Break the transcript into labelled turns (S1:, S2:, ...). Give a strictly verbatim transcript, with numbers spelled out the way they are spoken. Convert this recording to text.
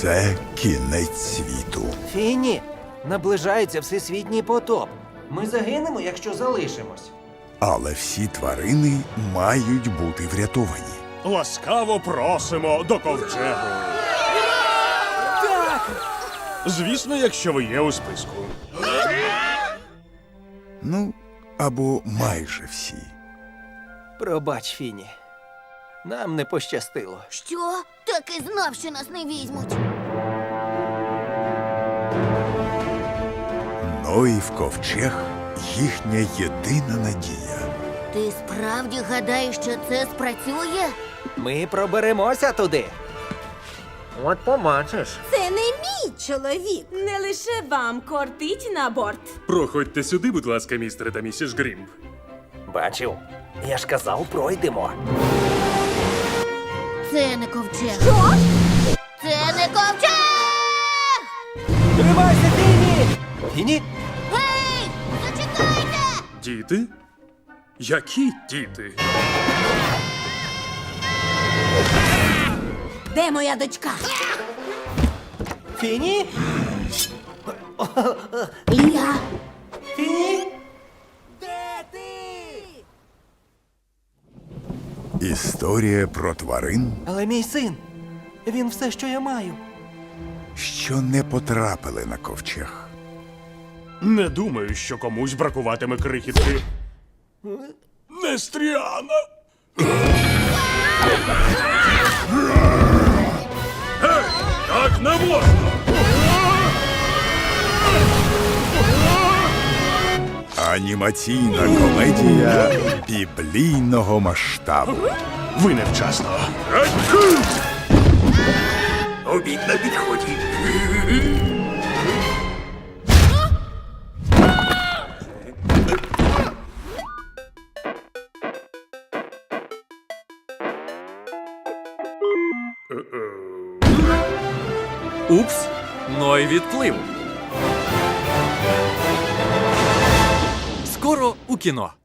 S1: Це кінець світу.
S2: Фіні, наближається всесвітній потоп. Ми загинемо, якщо залишимось.
S1: Але всі тварини мають бути врятовані.
S3: Ласкаво просимо до ковчегу. Так! Звісно, якщо ви є у списку.
S1: Ну, або майже всі.
S2: Пробач, Фіні. Нам не пощастило.
S4: Що? Так і знав, що нас не візьмуть.
S1: Ноїв ковчег – їхня єдина надія.
S4: Ти справді гадаєш, що це спрацює?
S2: Ми проберемося туди. От побачиш.
S5: Це не мій чоловік. Не лише вам кортить на борт.
S3: Проходьте сюди, будь ласка, містере та місіс Грімп.
S2: Бачив? Я ж казав, пройдемо.
S4: Це не ковчег. Що? Це не ковчег!
S2: Тримайся, Фіні! Фіні?
S4: Гей! Зачекайте!
S3: Діти? Які діти?
S5: Де моя дочка?
S2: Фіні?
S5: Я.
S2: Фіні?
S1: Історія про тварин,
S2: Але мій син, він все, що я маю.
S1: що не потрапили на ковчег.
S3: Не думаю, що комусь бракуватиме крихітки. Нестріана! Гей! Так не можна!
S1: Анімаційна комедія біблійного масштабу.
S3: Ви невчасно.
S1: Обід на підході.
S6: Упс, Ной відплив. Скоро у кіно.